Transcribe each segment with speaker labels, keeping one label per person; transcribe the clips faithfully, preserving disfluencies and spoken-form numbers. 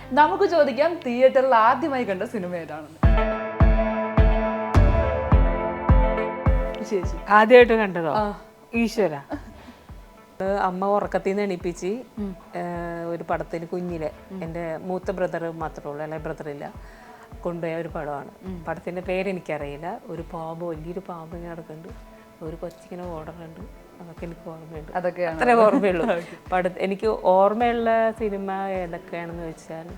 Speaker 1: നമുക്ക് ചോദിക്കാം തിയേറ്ററിൽ ആദ്യമായി കണ്ട സിനിമ ഏതാണെന്ന്. ചേച്ചി
Speaker 2: ആദ്യമായിട്ട് കണ്ടതോ? ഈശ്വര. അമ്മ ഉറക്കത്തിൽ നിന്ന് എണീപ്പിച്ച് ഒരു പടത്തിന് കുഞ്ഞിലെ എൻ്റെ മൂത്ത ബ്രദർ മാത്രമേ ഉള്ളൂ, അല്ലെ ബ്രദറില്ല, കൊണ്ടുപോയ ഒരു പടമാണ്. പടത്തിൻ്റെ പേരെനിക്കറിയില്ല. ഒരു പാമ്പ്, വലിയൊരു പാമ്പ് ഇങ്ങനെ നടക്കുന്നുണ്ട്, ഒരു കൊച്ചിങ്ങനെ ഓടുന്നുണ്ട്. അതൊക്കെ എനിക്ക് ഓർമ്മയുണ്ട്.
Speaker 1: അതൊക്കെ
Speaker 2: അത്രേ ഓർമ്മയുള്ളൂ. പട എനിക്ക് ഓർമ്മയുള്ള സിനിമ ഏതൊക്കെയാണെന്ന് വെച്ചാൽ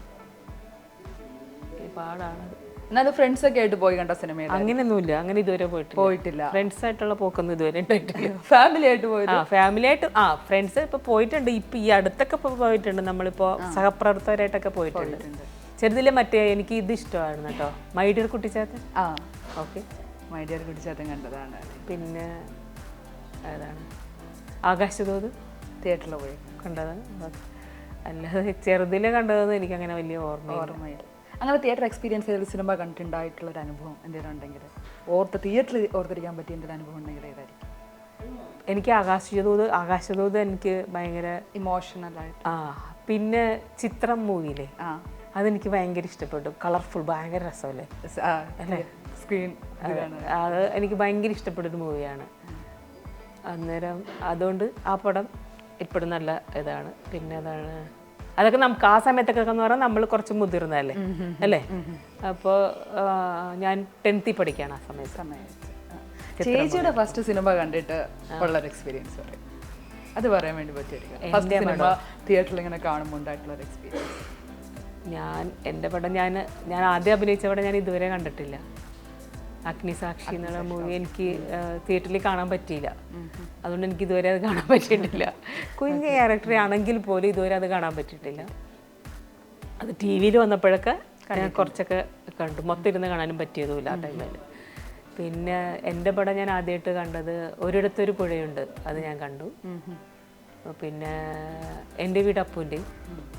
Speaker 2: ഒരുപാടാണ്.
Speaker 1: എന്നാലും ഫ്രണ്ട്സ് ഒക്കെ ആയിട്ട് പോയി കണ്ട സിനിമ
Speaker 2: അങ്ങനെയൊന്നുമില്ല, അങ്ങനെ ഇതുവരെ പോയിട്ടില്ല.
Speaker 1: പോയിട്ടില്ല
Speaker 2: ഫ്രണ്ട്സ് ആയിട്ടുള്ള പോക്കൊന്നും ഇതുവരെ ഉണ്ടായിട്ടില്ല.
Speaker 1: ഫാമിലി ആയിട്ട് പോയത്?
Speaker 2: ആ ഫാമിലി ആയിട്ട്, ആ ഫ്രണ്ട്സ് ഇപ്പൊ പോയിട്ടുണ്ട്. ഇപ്പൊ ഈ അടുത്തൊക്കെ പോയിട്ടുണ്ട്. നമ്മളിപ്പോ സഹപ്രവർത്തകരായിട്ടൊക്കെ പോയിട്ടുണ്ട്. ചെറുതിലെ മറ്റേ എനിക്ക് ഇത് ഇഷ്ടമായിരുന്നു കേട്ടോ, മൈ ഡിയർ കുട്ടിച്ചാത്തൻ.
Speaker 1: ആ
Speaker 2: ഓക്കെ,
Speaker 1: മൈ ഡിയർ കുട്ടിച്ചാത്തൻ കണ്ടതാണ്.
Speaker 2: പിന്നെ ഏതാണ്, ആകാശദൂത്
Speaker 1: തിയേറ്ററിൽ പോയി
Speaker 2: കണ്ടതാണ്. അല്ലാതെ ചെറുതിലെ കണ്ടതൊന്നും എനിക്ക് അങ്ങനെ വലിയ ഓർമ്മ
Speaker 1: ഓർമ്മയില്ല. അങ്ങനെ തിയേറ്റർ എക്സ്പീരിയൻസ് ചെയ്ത സിനിമ കണ്ടിട്ടുണ്ടായിട്ടുള്ള ഒരു അനുഭവം എന്തെങ്കിലും ഉണ്ടെങ്കിൽ, ഓർത്ത് തിയേറ്ററിൽ ഓർത്തിരിക്കാൻ പറ്റിയ എന്തെങ്കിലും അനുഭവം ഉണ്ടെങ്കിൽ ഏതായിരിക്കും?
Speaker 2: എനിക്ക് ആകാശദൂത് ആകാശദൂത് എനിക്ക് ഭയങ്കര
Speaker 1: ഇമോഷണലായിട്ട്.
Speaker 2: ആ പിന്നെ ചിത്രം മൂവിയില്ലേ,
Speaker 1: ആ
Speaker 2: അതെനിക്ക് ഭയങ്കര ഇഷ്ടപ്പെട്ടു. കളർഫുൾ, ഭയങ്കര രസമല്ലേ അല്ലേ
Speaker 1: സ്ക്രീൻ.
Speaker 2: അത് എനിക്ക് ഭയങ്കര ഇഷ്ടപ്പെട്ടൊരു മൂവിയാണ്. അന്നേരം അതുകൊണ്ട് ആ പടം ഇപ്പോഴും നല്ല ഇതാണ്. പിന്നെ അതാണ്, അതൊക്കെ നമുക്ക് ആ സമയത്തൊക്കെ എന്ന് പറഞ്ഞാൽ നമ്മൾ കുറച്ച് മുതിർന്നതല്ലേ അല്ലേ. അപ്പോൾ ഞാൻ ടെൻത്തിൽ പഠിക്കുകയാണ് ആ സമയത്ത്.
Speaker 1: സമയത്ത് ചേച്ചിയുടെ ഫസ്റ്റ് സിനിമ കണ്ടിട്ട് ഉള്ളൊരു എക്സ്പീരിയൻസ് പറയും, അത് പറയാൻ വേണ്ടി പറ്റിയിരിക്കും. ഫസ്റ്റ് സിനിമ തിയേറ്ററിൽ ഇങ്ങനെ കാണുമ്പോൾ ഉണ്ടായിട്ടുള്ളൊരു എക്സ്പീരിയൻസ്.
Speaker 2: ഞാൻ എൻ്റെ പടം ഞാൻ ഞാൻ ആദ്യം അഭിനയിച്ച പടം ഞാൻ ഇതുവരെ കണ്ടിട്ടില്ല. അഗ്നിസാക്ഷി എന്നുള്ള മൂവി എനിക്ക് തിയേറ്ററിൽ കാണാൻ പറ്റിയില്ല. അതുകൊണ്ട് എനിക്ക് ഇതുവരെ അത് കാണാൻ പറ്റിയിട്ടില്ല. കുഞ്ഞ് ക്യാരക്ടർ ആണെങ്കിൽ പോലും ഇതുവരെ അത് കാണാൻ പറ്റിയിട്ടില്ല. അത് ടി വിയിൽ വന്നപ്പോഴൊക്കെ ഞാൻ കുറച്ചൊക്കെ കണ്ടു. മൊത്തം ഇരുന്ന് കാണാനും പറ്റിയതുമില്ല ആ ടൈമിൽ. പിന്നെ എൻ്റെ പടം ഞാൻ ആദ്യമായിട്ട് കണ്ടത് ഒരിടത്തൊരു പുഴയുണ്ട്, അത് ഞാൻ കണ്ടു. പിന്നെ എൻ്റെ വീട് അപ്പൂൻ്റെയും